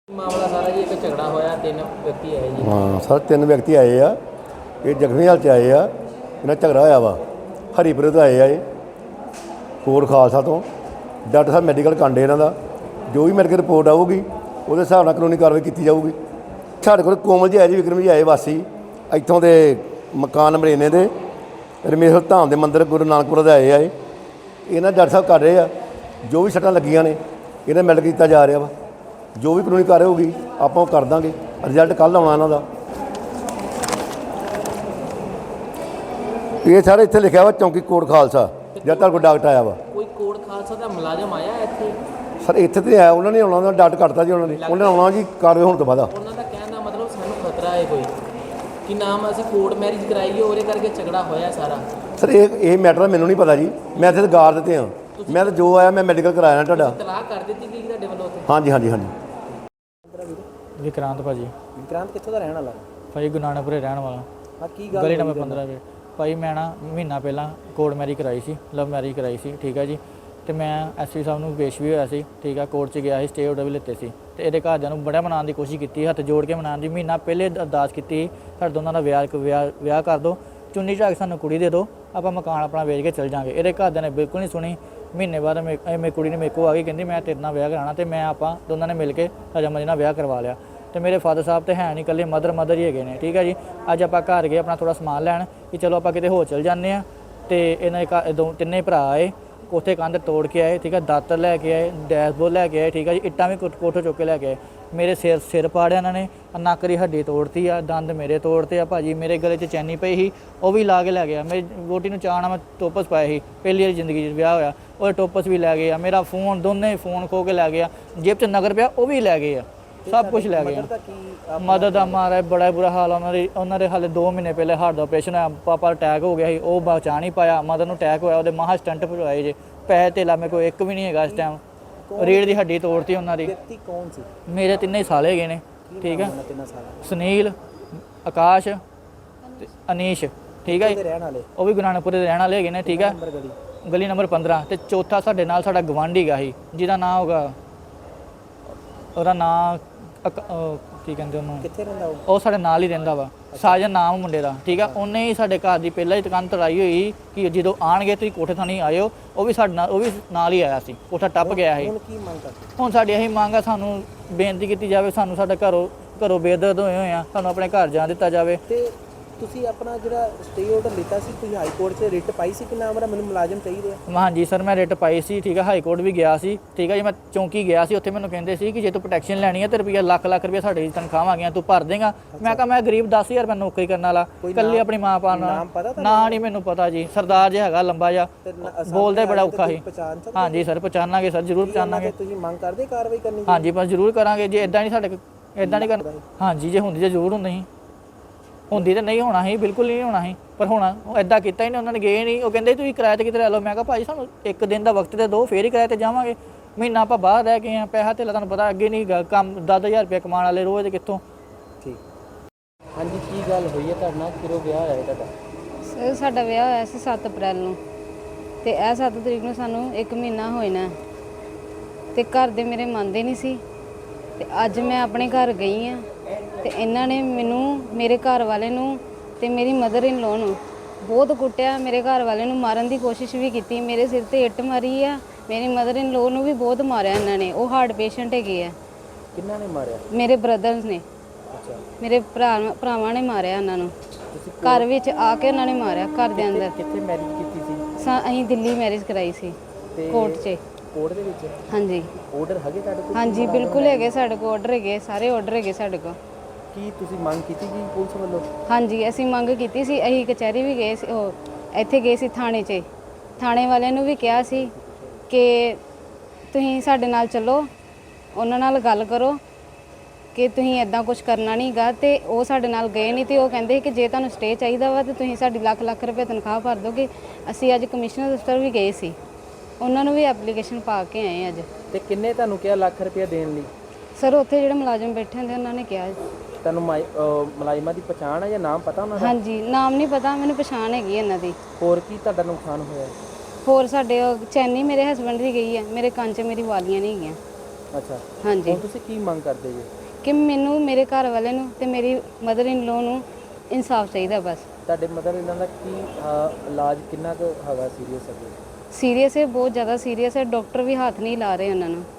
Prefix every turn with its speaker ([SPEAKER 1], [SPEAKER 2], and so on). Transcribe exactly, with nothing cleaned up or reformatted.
[SPEAKER 1] ਮਾਮਲਾ ਸਾਰਾ ਜੀ ਇੱਕ ਝਗੜਾ ਹੋਇਆ, ਤਿੰਨ ਵਿਅਕਤੀ ਆਏ ਜੀ।
[SPEAKER 2] ਹਾਂ ਸਰ, ਤਿੰਨ ਵਿਅਕਤੀ ਆਏ ਆ। ਇਹ ਜ਼ਖਮੀ ਹਾਲਤ 'ਚ ਆਏ ਆ। ਇਹਨਾਂ ਝਗੜਾ ਹੋਇਆ ਵਾ। ਹਰੀਪੁਰੇ ਤੋਂ ਆਏ ਆ ਇਹ, ਕੋਟ ਖਾਲਸਾ ਤੋਂ। ਡਾਕਟਰ ਸਾਹਿਬ ਮੈਡੀਕਲ ਕਾਂਡੇ ਇਹਨਾਂ ਦਾ। ਜੋ ਵੀ ਮੈਡੀਕਲ ਰਿਪੋਰਟ ਆਊਗੀ ਉਹਦੇ ਹਿਸਾਬ ਨਾਲ ਕਾਨੂੰਨੀ ਕਾਰਵਾਈ ਕੀਤੀ ਜਾਊਗੀ। ਸਾਡੇ ਕੋਲ ਕੋਮਲ ਜੀ ਆਏ ਜੀ, ਵਿਕਰਮ ਜੀ ਆਏ ਵਾਸੀ ਇੱਥੋਂ ਦੇ ਮਕਾਨ ਨੰਬਰ ਇੰਨੇ ਦੇ ਰਮੇਸ਼ਵਰ ਧਾਮ ਦੇ ਮੰਦਿਰ ਗੁਰੂ ਨਾਨਕਪੁਰ ਦੇ ਆਏ ਆ। ਇਹ ਇਹਨਾਂ ਡਾਕਟਰ ਸਾਹਿਬ ਕਰ ਰਹੇ ਆ। ਜੋ ਵੀ ਸੱਟਾਂ ਲੱਗੀਆਂ ਨੇ ਇਹਨਾਂ ਮੈਡੀਕਲ ਕੀਤਾ ਜਾ ਰਿਹਾ ਵਾ। ਜੋ ਵੀ ਕਾਨੂੰਨੀ ਕਾਰਵਾਈ ਹੋਊਗੀ ਆਪਾਂ ਉਹ ਕਰ ਦਾਂਗੇ। ਰਿਜ਼ਲਟ ਕੱਲ੍ਹ ਆਉਣਾ ਇਹਨਾਂ ਦਾ। ਇਹ ਸਾਰੇ ਇੱਥੇ ਲਿਖਿਆ ਵਾ ਚੌਂਕੀ ਕੋਟ ਖਾਲਸਾ, ਜਦ ਤੱਕ ਕੋਈ ਡਾਕਟਰ ਆਇਆ ਵਾ।
[SPEAKER 1] ਕੋਈ ਕੋਟ ਖਾਲਸਾ ਦਾ ਮੁਲਾਜ਼ਮ ਆਇਆ ਇੱਥੇ?
[SPEAKER 2] ਸਰ ਇੱਥੇ ਤੇ ਆਇਆ, ਉਹਨਾਂ ਨੇ ਆਉਣਾ, ਉਹਨਾਂ ਡਾਕਟਰ ਕੱਟਤਾ ਜੀ ਉਹਨਾਂ ਨੇ। ਉਹਨਾਂ ਨੇ ਆਉਣਾ ਜੀ ਕਾਰਵਾਈ ਹੋਣ ਤੋਂ ਬਾਅਦ।
[SPEAKER 1] ਉਹਨਾਂ ਦਾ ਕਹਿਣ ਦਾ ਮਤਲਬ ਸਾਨੂੰ ਖਤਰਾ ਹੈ ਕੋਈ ਕਿ ਨਾਮ ਅਸੀਂ ਕੋਰਟ ਮੈਰਿਜ ਕਰਾਈਏ, ਉਹਦੇ ਕਰਕੇ ਝਗੜਾ ਹੋਇਆ ਸਾਰਾ।
[SPEAKER 2] ਸਰ ਇਹ ਇਹ ਮੈਟਰ ਮੈਨੂੰ ਨਹੀਂ ਪਤਾ ਜੀ। ਮੈਂ ਇੱਥੇ ਗਾਰ ਦਿੱਤੇ ਹਾਂ। ਮੈਂ ਤਾਂ ਜੋ ਆਇਆ ਮੈਂ ਮੈਡੀਕਲ ਕਰਾਇਆ ਤੁਹਾਡਾ।
[SPEAKER 1] ਤਲਾਕ ਕਰ ਦਿੱਤੀ ਗਈ ਤੁਹਾਡੇ ਵੱਲੋਂ ਉੱਥੇ?
[SPEAKER 2] ਹਾਂਜੀ ਹਾਂਜੀ ਹਾਂਜੀ।
[SPEAKER 3] ਵਿਕਰਾਂਤ ਭਾਜੀ।
[SPEAKER 4] ਵਿਕਰਾਂਤ ਕਿੱਥੋਂ ਦਾ ਰਹਿਣ ਵਾਲਾ?
[SPEAKER 3] ਭਾਜੀ ਗੁਰੂ ਨਾਨਕਪੁਰੇ ਰਹਿਣ ਵਾਲਾ।
[SPEAKER 4] ਹਾਂ, ਕੀ ਗੱਲ
[SPEAKER 3] ਗਲੀ ਨੰਬਰ ਪੰਦਰਾਂ ਵੇ। ਭਾਈ ਮੈਂ ਨਾ ਮਹੀਨਾ ਪਹਿਲਾਂ ਕੋਰਟ ਮੈਰਿਜ ਕਰਾਈ ਸੀ, ਲਵ ਮੈਰਿਜ ਕਰਾਈ ਸੀ, ਠੀਕ ਹੈ ਜੀ। ਅਤੇ ਮੈਂ ਐਸ ਪੀ ਸਾਹਿਬ ਨੂੰ ਪੇਸ਼ ਵੀ ਹੋਇਆ ਸੀ, ਠੀਕ ਆ। ਕੋਰਟ 'ਚ ਗਿਆ ਸੀ, ਸਟੇ ਆਰਡਰ ਵੀ ਲਿੱਤੇ ਸੀ। ਅਤੇ ਇਹਦੇ ਘਰਦਿਆਂ ਨੂੰ ਬੜਾ ਮਨਾਉਣ ਦੀ ਕੋਸ਼ਿਸ਼ ਕੀਤੀ, ਹੱਥ ਜੋੜ ਕੇ ਮਨਾਉਣ ਦੀ। ਮਹੀਨਾ ਪਹਿਲੇ ਅਰਦਾਸ ਕੀਤੀ, ਸਾਡੇ ਦੋਨਾਂ ਦਾ ਵਿਆਹ ਵਿਆਹ ਵਿਆਹ ਕਰ ਦਿਓ, ਚੁੰਨੀ ਝਾਕ ਸਾਨੂੰ ਕੁੜੀ ਦੇ ਦਿਓ, ਆਪਾਂ ਮਕਾਨ ਆਪਣਾ ਵੇਚ ਕੇ ਚੱਲ ਜਾਂਗੇ। ਇਹਦੇ ਘਰਦਿਆਂ ਨੇ ਬਿਲਕੁਲ ਨਹੀਂ ਸੁਣੀ। ਮਹੀਨੇ ਬਾਅਦ ਮੇ ਮੇਰੀ ਕੁੜੀ ਨੇ ਮੇਰੇ ਕੋਲ ਆ ਗਈ, ਕਹਿੰਦੀ ਮੈਂ ਤੇਰੇ ਨਾਲ ਵਿਆਹ ਕਰਾਉਣਾ। ਅਤੇ ਮੈਂ ਆਪਾਂ ਦੋਨਾਂ ਨੇ ਮਿਲ ਕੇ ਰਜਾਮੰਦੀ ਨਾਲ ਵਿਆਹ ਕਰਵਾ ਲਿਆ। ਅਤੇ ਮੇਰੇ ਫਾਦਰ ਸਾਹਿਬ ਤਾਂ ਹੈ ਨਹੀਂ, ਇਕੱਲੇ ਮਦਰ ਮਦਰ ਹੀ ਹੈਗੇ ਨੇ, ਠੀਕ ਹੈ ਜੀ। ਅੱਜ ਆਪਾਂ ਘਰ ਗਏ ਆਪਣਾ ਥੋੜ੍ਹਾ ਸਮਾਨ ਲੈਣ ਕਿ ਚਲੋ ਆਪਾਂ ਕਿਤੇ ਹੋਰ ਚੱਲ ਜਾਂਦੇ ਹਾਂ। ਅਤੇ ਇਹਨਾਂ ਦੇ ਘਰ ਦੋ ਤਿੰਨੇ ਭਰਾ ਆਏ, ਕੋਠੇ ਕੰਧ ਤੋੜ ਕੇ ਆਏ, ਠੀਕ ਹੈ। ਦਾਤਰ ਲੈ ਕੇ ਆਏ, ਡੈਸ਼ਬੋਰਡ ਲੈ ਕੇ ਆਏ, ਠੀਕ ਹੈ ਜੀ। ਇੱਟਾਂ ਵੀ ਕੋਠੇ ਚੁੱਕ ਕੇ ਲੈ ਕੇ ਆਏ। ਮੇਰੇ ਸਿਰ ਸਿਰ ਪਾੜਿਆ ਇਹਨਾਂ ਨੇ, ਨੱਕ ਦੀ ਹੱਡੀ ਤੋੜਤੀ ਆ, ਦੰਦ ਮੇਰੇ ਤੋੜਤੇ ਆ ਭਾਜੀ। ਮੇਰੇ ਗਲੇ 'ਚ ਚੈਨੀ ਪਈ ਸੀ, ਉਹ ਵੀ ਲਾ ਕੇ ਲੈ ਗਿਆ। ਮੇਰੀ ਵੋਟੀ ਨੂੰ ਚਾਅ ਨਾਲ ਮੈਂ ਟੋਪਸ ਪਾਏ ਸੀ, ਪਹਿਲੀ ਵਾਰੀ ਜ਼ਿੰਦਗੀ 'ਚ ਵਿਆਹ ਹੋਇਆ, ਉਹ ਟੋਪਸ ਵੀ ਲੈ ਗਏ ਆ। ਮੇਰਾ ਫੋਨ, ਦੋਨੇ ਫੋਨ ਖੋ ਕੇ ਲੈ ਗਿਆ। ਜੇਬ 'ਚ ਨਗਰ ਪਿਆ, ਉਹ ਵੀ ਲੈ ਗਏ ਆ। ਸਭ ਕੁਝ ਲੈ ਗਏ। ਮਦਦ ਦਾ ਮਾਰਾ ਬੜਾ ਬੁਰਾ ਹਾਲ ਆ ਉਹਨਾਂ ਦੀ। ਉਹਨਾਂ ਦੇ ਹਾਲੇ ਦੋ ਮਹੀਨੇ ਪਹਿਲੇ ਹਾਰਟ ਦਾ ਆਪਰੇਸ਼ਨ ਹੋਇਆ, ਪਾਪਾ ਅਟੈਕ ਹੋ ਗਿਆ ਸੀ, ਉਹ ਬਚਾ ਨਹੀਂ ਪਾਇਆ। ਮਦਰ ਨੂੰ ਅਟੈਕ ਹੋਇਆ, ਉਹਦੇ ਮਹਾ ਸਟੰਟ ਪਵਾਏ ਜੇ। ਪੈਸੇ ਧੇਲਾ ਮੇਰੇ ਕੋਲ ਇੱਕ ਵੀ ਨਹੀਂ ਹੈਗਾ ਇਸ ਟਾਈਮ। ਰੀੜ੍ਹ ਦੀ ਹੱਡੀ ਤੋੜਤੀ ਉਹਨਾਂ ਦੀ।
[SPEAKER 4] ਵਿਅਕਤੀ ਕੌਣ ਸੀ?
[SPEAKER 3] ਮੇਰੇ ਤਿੰਨੇ ਸਾਲ ਹੈਗੇ ਨੇ, ਠੀਕ ਹੈ।
[SPEAKER 4] ਤਿੰਨਾਂ ਸਾਲਾਂ
[SPEAKER 3] ਸੁਨੀਲ, ਆਕਾਸ਼ ਤੇ ਅਨੀਸ਼, ਠੀਕ ਹੈ ਜੀ।
[SPEAKER 4] ਰਹਿਣ ਵਾਲੇ
[SPEAKER 3] ਉਹ ਵੀ ਗੁਰੂ ਨਾਨਕਪੁਰੇ ਦੇ ਰਹਿਣ ਵਾਲੇ ਹੈਗੇ ਨੇ, ਠੀਕ ਹੈ।
[SPEAKER 4] ਨੰਬਰ ਗਲੀ
[SPEAKER 3] ਗਲੀ ਨੰਬਰ ਪੰਦਰਾਂ। ਅਤੇ ਚੌਥਾ ਸਾਡੇ ਨਾਲ ਸਾਡਾ ਗਵਾਂਢੀ ਗਾ ਸੀ, ਜਿਹਦਾ ਨਾਂ ਹੋਗਾ, ਉਹਦਾ ਨਾਂ ਕੀ ਕਹਿੰਦੇ ਉਹਨੂੰ,
[SPEAKER 4] ਕਿੱਥੇ ਰਹਿੰਦਾ ਉਹ?
[SPEAKER 3] ਉਹ ਸਾਡੇ ਨਾਲ ਹੀ ਰਹਿੰਦਾ ਵਾ। ਸਾਜਨ ਨਾਮ ਮੁੰਡੇ ਦਾ, ਠੀਕ ਆ। ਉਹਨੇ ਹੀ ਸਾਡੇ ਘਰ ਦੀ ਪਹਿਲਾਂ ਹੀ ਦੁਕਾਨ ਤੜਾਈ ਹੋਈ ਕਿ ਜਦੋਂ ਆਣਗੇ ਤੁਸੀਂ ਕੋਠੇ ਥਾਣੀ ਆਇਓ। ਉਹ ਵੀ ਸਾਡੇ ਨਾਲ, ਉਹ ਵੀ ਨਾਲ ਹੀ ਆਇਆ ਸੀ, ਕੋਠਾ ਟੱਪ ਗਿਆ ਸੀ।
[SPEAKER 4] ਹੁਣ ਕੀ ਮੰਗ ਕਰਦੇ?
[SPEAKER 3] ਹੁਣ ਸਾਡੀ ਇਹੀ ਮੰਗ ਆ, ਸਾਨੂੰ ਬੇਨਤੀ ਕੀਤੀ ਜਾਵੇ, ਸਾਨੂੰ ਸਾਡਾ ਘਰੋਂ ਘਰੋਂ ਬੇਦਰਦ ਹੋਏ ਹੋਏ ਆ, ਸਾਨੂੰ ਆਪਣੇ ਘਰ ਜਾਣ ਦਿੱਤਾ ਜਾਵੇ।
[SPEAKER 4] ਤੇ ਤੁਸੀਂ ਆਪਣਾ ਜਿਹੜਾ ਸਟੇ ਆਰਡਰ ਲਿੱਤਾ ਸੀ, ਤੁਸੀਂ ਹਾਈ ਕੋਰਟ 'ਚ ਰਿਟ ਪਾਈ ਸੀ ਕਿ ਨਾ ਮੇਰਾ ਮੈਨੂੰ ਮੁਲਾਜ਼ਮ ਚਾਹੀਦੇ ਆ?
[SPEAKER 3] ਹਾਂਜੀ ਸਰ, ਮੈਂ ਰਿਟ ਪਾਈ ਸੀ, ਠੀਕ ਹੈ। ਹਾਈ ਕੋਰਟ ਵੀ ਗਿਆ ਸੀ, ਠੀਕ ਹੈ ਜੀ। ਮੈਂ ਚੌਂਕੀ ਗਿਆ ਸੀ, ਉੱਥੇ ਮੈਨੂੰ ਕਹਿੰਦੇ ਸੀ ਕਿ ਜੇ ਤੂੰ ਪ੍ਰੋਟੈਕਸ਼ਨ ਲੈਣੀ ਹੈ ਤੇ ਰੁਪਈਆ ਲੱਖ ਲੱਖ ਰੁਪਈਆ ਸਾਡੀ ਤਨਖਾਹ ਆ ਗਈਆਂ, ਤੂੰ ਭਰ ਦੇਗਾ। ਮੈਂ ਕਿਹਾ ਮੈਂ ਗਰੀਬ ਦਸ ਹਜ਼ਾਰ ਰੁਪਏ ਨੌਕਰੀ ਕਰਨ ਵਾਲਾ, ਇਕੱਲੀ ਆਪਣੀ ਮਾਂ ਪਾ ਨਾਲ। ਨਾ ਨਹੀਂ ਮੈਨੂੰ ਪਤਾ ਜੀ। ਸਰਦਾਰ ਜਿਹਾ ਹੈਗਾ, ਲੰਬਾ ਜਿਹਾ, ਬੋਲਦਾ ਬੜਾ ਔਖਾ ਸੀ। ਹਾਂਜੀ ਸਰ, ਪਛਾਣਾਂਗੇ ਸਰ, ਜ਼ਰੂਰ ਪਛਾਣਾਂਗੇ।
[SPEAKER 4] ਤੁਸੀਂ ਮੰਗ ਕਰਦੇ ਕਾਰਵਾਈ ਕਰਨੀ?
[SPEAKER 3] ਹਾਂਜੀ ਬਸ ਜ਼ਰੂਰ ਕਰਾਂਗੇ। ਜੇ ਇਦਾਂ ਨਹੀਂ ਸਾਡੇ ਇਦਾਂ ਨਹੀਂ ਕਰਨਾ। ਹਾਂਜੀ ਜੇ ਹੁੰਦੀ ਤਾਂ ਜ਼ਰੂਰ ਹੁੰਦੀ ਸੀ, ਹੁੰਦੀ ਤਾਂ ਨਹੀਂ ਹੋਣਾ ਸੀ, ਬਿਲਕੁਲ ਨਹੀਂ ਹੋਣਾ ਸੀ। ਪਰ ਹੁਣ ਉਹ ਇੱਦਾਂ ਕੀਤਾ ਹੀ ਨਹੀਂ, ਉਹਨਾਂ ਨੇ ਗਏ ਨਹੀਂ। ਉਹ ਕਹਿੰਦੇ ਤੁਸੀਂ ਕਿਰਾਏ 'ਤੇ ਕਿਤੇ ਲੈ ਲਓ। ਮੈਂ ਕਿਹਾ ਭਾਜੀ ਸਾਨੂੰ ਇੱਕ ਦਿਨ ਦਾ ਵਕਤ ਤੇ ਦਿਓ, ਫੇਰ ਹੀ ਕਿਰਾਏ 'ਤੇ ਜਾਵਾਂਗੇ। ਮਹੀਨਾ ਆਪਾਂ ਬਾਹਰ ਰਹਿ ਗਏ ਹਾਂ, ਪੈਸਾ ਧੇਲਾ ਤੁਹਾਨੂੰ ਪਤਾ ਅੱਗੇ ਨਹੀਂ ਗਾ, ਕੰਮ ਦਸ ਹਜ਼ਾਰ ਰੁਪਇਆ ਕਮਾਉਣ ਵਾਲੇ ਰੋਜ਼ ਕਿੱਥੋਂ।
[SPEAKER 4] ਠੀਕ।
[SPEAKER 1] ਹਾਂਜੀ, ਕੀ ਗੱਲ ਹੋਈ ਹੈ ਤੁਹਾਡੇ ਨਾਲ? ਕਿਰੋ ਵਿਆਹ ਹੋਇਆ ਤੁਹਾਡਾ?
[SPEAKER 5] ਸਰ ਸਾਡਾ ਵਿਆਹ ਹੋਇਆ ਸੀ ਸੱਤ ਅਪ੍ਰੈਲ ਨੂੰ, ਅਤੇ ਇਹ ਸੱਤ ਤਰੀਕ ਨੂੰ ਸਾਨੂੰ ਇੱਕ ਮਹੀਨਾ ਹੋਏ ਨਾ। ਅਤੇ ਘਰ ਦੇ ਮੇਰੇ ਮੰਨਦੇ ਨਹੀਂ ਸੀ। ਅਤੇ ਅੱਜ ਮੈਂ ਆਪਣੇ ਘਰ ਗਈ ਹਾਂ, ਅਤੇ ਇਹਨਾਂ ਨੇ ਮੈਨੂੰ, ਮੇਰੇ ਘਰ ਵਾਲੇ ਨੂੰ ਅਤੇ ਮੇਰੀ ਮਦਰ ਇਨ ਲੋ ਨੂੰ ਬਹੁਤ ਕੁੱਟਿਆ। ਮੇਰੇ ਘਰ ਵਾਲੇ ਨੂੰ ਮਾਰਨ ਦੀ ਕੋਸ਼ਿਸ਼ ਵੀ ਕੀਤੀ, ਮੇਰੇ ਸਿਰ 'ਤੇ ਇੱਟ ਮਾਰੀ ਆ। ਮੇਰੀ ਮਦਰ ਇਨ ਲੋ ਨੂੰ ਵੀ ਬਹੁਤ ਮਾਰਿਆ ਇਹਨਾਂ ਨੇ। ਉਹ ਹਾਰਟ ਪੇਸ਼ੈਂਟ ਹੈਗੇ ਆ।
[SPEAKER 4] ਕਿੰਨਾਂ ਨੇ ਮਾਰਿਆ?
[SPEAKER 5] ਮੇਰੇ ਬ੍ਰਦਰਸ ਨੇ,
[SPEAKER 4] ਅੱਛਾ।
[SPEAKER 5] ਮੇਰੇ ਭਰਾ ਭਰਾਵਾਂ ਨੇ ਮਾਰਿਆ ਉਹਨਾਂ ਨੂੰ। ਘਰ ਵਿੱਚ ਆ ਕੇ ਉਹਨਾਂ ਨੇ ਮਾਰਿਆ, ਘਰ ਦੇ ਅੰਦਰ।
[SPEAKER 4] ਕਿੱਥੇ ਮੈਰਿਜ ਕੀਤੀ ਸੀ?
[SPEAKER 5] ਸਾ ਅਸੀਂ ਦਿੱਲੀ ਮੈਰਿਜ ਕਰਾਈ ਸੀ, ਕੋਰਟ 'ਚ।
[SPEAKER 4] ਕੋਰਟ ਦੇ ਵਿੱਚ?
[SPEAKER 5] ਹਾਂਜੀ।
[SPEAKER 4] ਆਰਡਰ ਹੈਗੇ ਤੁਹਾਡੇ ਕੋਲ?
[SPEAKER 5] ਹਾਂਜੀ ਬਿਲਕੁਲ ਹੈਗੇ ਸਾਡੇ ਕੋਲ, ਆਰਡਰ ਹੈਗੇ, ਸਾਰੇ ਆਰਡਰ ਹੈਗੇ ਸਾਡੇ ਕੋਲ।
[SPEAKER 4] ਕੀ ਤੁਸੀਂ ਮੰਗ ਕੀਤੀ ਜੀ ਪੁਲਿਸ ਵੱਲੋਂ?
[SPEAKER 5] ਹਾਂਜੀ ਅਸੀਂ ਮੰਗ ਕੀਤੀ ਸੀ। ਅਸੀਂ ਕਚਹਿਰੀ ਵੀ ਗਏ ਸੀ, ਉਹ ਇੱਥੇ ਗਏ ਸੀ ਥਾਣੇ 'ਚ। ਥਾਣੇ ਵਾਲਿਆਂ ਨੂੰ ਵੀ ਕਿਹਾ ਸੀ ਕਿ ਤੁਸੀਂ ਸਾਡੇ ਨਾਲ ਚੱਲੋ, ਉਹਨਾਂ ਨਾਲ ਗੱਲ ਕਰੋ ਕਿ ਤੁਸੀਂ ਇੱਦਾਂ ਕੁਝ ਕਰਨਾ ਨਹੀਂ ਗਾ। ਅਤੇ ਉਹ ਸਾਡੇ ਨਾਲ ਗਏ ਨਹੀਂ। ਅਤੇ ਉਹ ਕਹਿੰਦੇ ਕਿ ਜੇ ਤੁਹਾਨੂੰ ਸਟੇ ਚਾਹੀਦਾ ਵਾ ਤਾਂ ਤੁਸੀਂ ਸਾਡੀ ਲੱਖ ਲੱਖ ਰੁਪਏ ਤਨਖਾਹ ਭਰ ਦੋਗੇ। ਅਸੀਂ ਅੱਜ ਕਮਿਸ਼ਨਰ ਦਫ਼ਤਰ ਵੀ ਗਏ ਸੀ, ਉਹਨਾਂ ਨੂੰ ਵੀ ਐਪਲੀਕੇਸ਼ਨ ਪਾ ਕੇ ਆਏ ਅੱਜ।
[SPEAKER 4] ਤੇ ਕਿੰਨੇ ਤੁਹਾਨੂੰ ਕਿਹਾ ਲੱਖ ਰੁਪਏ ਦੇਣ ਲਈ?
[SPEAKER 5] ਸਰ ਉੱਥੇ ਜਿਹੜੇ ਮੁਲਾਜ਼ਮ ਬੈਠੇ ਹੁੰਦੇ ਉਹਨਾਂ ਨੇ ਕਿਹਾ।
[SPEAKER 4] ਤੁਹਾਨੂੰ ਮੁਲਾਜ਼ਮਾਂ ਦੀ ਪਛਾਣ ਹੈ ਜਾਂ ਨਾਮ ਪਤਾ ਉਹਨਾਂ ਦਾ?
[SPEAKER 5] ਹਾਂਜੀ ਨਾਮ ਨਹੀਂ ਪਤਾ, ਮੈਨੂੰ ਪਛਾਣ ਹੈਗੀ ਇਹਨਾਂ ਦੀ।
[SPEAKER 4] ਹੋਰ ਕੀ ਤੁਹਾਡਾ ਨੁਕਸਾਨ ਹੋਇਆ?
[SPEAKER 5] ਹੋਰ ਸਾਡੇ ਚੈਨੀ ਮੇਰੇ ਹਸਬੈਂਡ ਦੀ ਗਈ ਹੈ, ਮੇਰੇ ਕੰਨ 'ਚ ਮੇਰੀ ਵਾਲੀਆਂ ਨਹੀਂ ਹੈਗੀਆਂ।
[SPEAKER 1] ਅੱਛਾ,
[SPEAKER 5] ਹਾਂਜੀ
[SPEAKER 1] ਹੁਣ ਤੁਸੀਂ ਕੀ ਮੰਗ ਕਰਦੇ ਜੀ?
[SPEAKER 5] ਕਿ ਮੈਨੂੰ ਮੇਰੇ ਘਰ ਵਾਲੇ ਨੂੰ ਤੇ ਮੇਰੀ ਮਦਰ ਇਨ ਲੋ ਨੂੰ ਇਨਸਾਫ ਚਾਹੀਦਾ ਬਸ।
[SPEAKER 1] ਤੁਹਾਡੇ ਮਦਰ ਇਹਨਾਂ ਦਾ ਕੀ ਅਹ, ਇਲਾਜ ਕਿੰਨਾ ਕੁ ਹੈਗਾ ਸੀਰੀਅਸ ਹੈ?
[SPEAKER 5] ਸੀਰੀਅਸ ਹੈ, ਬਹੁਤ ਜ਼ਿਆਦਾ ਸੀਰੀਅਸ ਹੈ, ਡਾਕਟਰ ਵੀ ਹੱਥ ਨਹੀਂ ਲਾ ਰਹੇ ਉਹਨਾਂ ਨੂੰ।